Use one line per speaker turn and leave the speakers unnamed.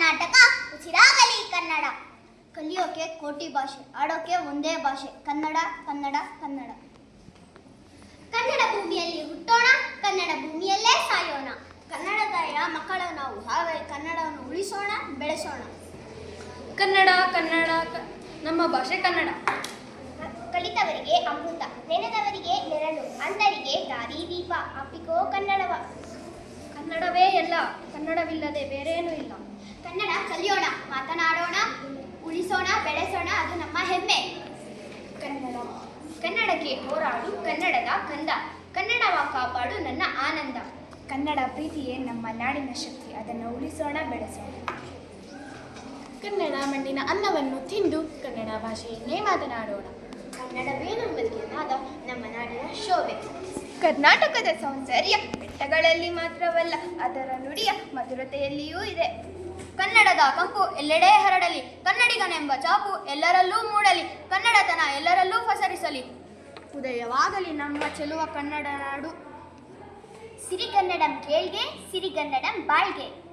ಕರ್ನಾಟಕ ಉಸಿರಾಗಲಿ ಕನ್ನಡ. ಕಲಿಯೋಕೆ ಕೋಟಿ ಭಾಷೆ, ಆಡೋಕೆ ಒಂದೇ ಭಾಷೆ, ಕನ್ನಡ ಕನ್ನಡ ಕನ್ನಡ. ಕನ್ನಡ ಭೂಮಿಯಲ್ಲಿ ಹುಟ್ಟೋಣ, ಕನ್ನಡ ಭೂಮಿಯಲ್ಲೇ ಸಾಯೋಣ. ಕನ್ನಡದ ಮಕ್ಕಳು ನಾವು, ಹಾಗಾಗಿ ಕನ್ನಡವನ್ನು ಉಳಿಸೋಣ, ಬೆಳೆಸೋಣ.
ಕನ್ನಡ ಕನ್ನಡ ನಮ್ಮ ಭಾಷೆ ಕನ್ನಡ.
ಕಲಿತವರಿಗೆ ಅಮೃತ, ನೆನೆದವರಿಗೆ ನೆರಳು, ಅಂಧರಿಗೆ ದಾರಿ ದೀಪ. ಅಪ್ಪಿಕೋ ಕನ್ನಡವ.
ಕನ್ನಡವೇ ಎಲ್ಲ, ಕನ್ನಡವಿಲ್ಲದೆ ಬೇರೇನೂ ಇಲ್ಲ.
ಕನ್ನಡ ಕಲಿಯೋಣ, ಮಾತನಾಡೋಣ, ಉಳಿಸೋಣ, ಬೆಳೆಸೋಣ, ಅದು ನಮ್ಮ ಹೆಮ್ಮೆ.
ಕನ್ನಡ ಕನ್ನಡಕ್ಕೆ ಹೋರಾಡು, ಕನ್ನಡದ ಕಂದ, ಕನ್ನಡವ ಕಾಪಾಡು ನನ್ನ ಆನಂದ.
ಕನ್ನಡ ಪ್ರೀತಿಯೇ ನಮ್ಮ ನಾಡಿನ ಶಕ್ತಿ, ಅದನ್ನು ಉಳಿಸೋಣ, ಬೆಳೆಸೋಣ.
ಕನ್ನಡ ಮಣ್ಣಿನ ಅನ್ನವನ್ನು ತಿಂದು ಕನ್ನಡ ಭಾಷೆಯನ್ನೇ ಮಾತನಾಡೋಣ.
ಕನ್ನಡವೇ ನಮ್ಮಲ್ಲಿಗೆ ನಾದ, ನಮ್ಮ ನಾಡಿನ ಶೋಭೆ.
ಕರ್ನಾಟಕದ ಸೌಂದರ್ಯ ಬೆಟ್ಟಗಳಲ್ಲಿ ಮಾತ್ರವಲ್ಲ, ಅದರ ನುಡಿಯ ಮಧುರತೆಯಲ್ಲಿಯೂ ಇದೆ.
ಕನ್ನಡದ ಕಂಪು ಎಲ್ಲೆಡೆ ಹರಡಲಿ, ಕನ್ನಡಿಗನೆಂಬ ಚಾಪು ಎಲ್ಲರಲ್ಲೂ ಮೂಡಲಿ, ಕನ್ನಡತನ ಎಲ್ಲರಲ್ಲೂ ಪಸರಿಸಲಿ. ಉದಯವಾಗಲಿ ನಮ್ಮ ಚೆಲುವ ಕನ್ನಡ ನಾಡು. ಸಿರಿಗನ್ನಡಂ ಕೇಳ್ಗೆ, ಸಿರಿಗನ್ನಡಂ ಬಾಳ್ಗೆ.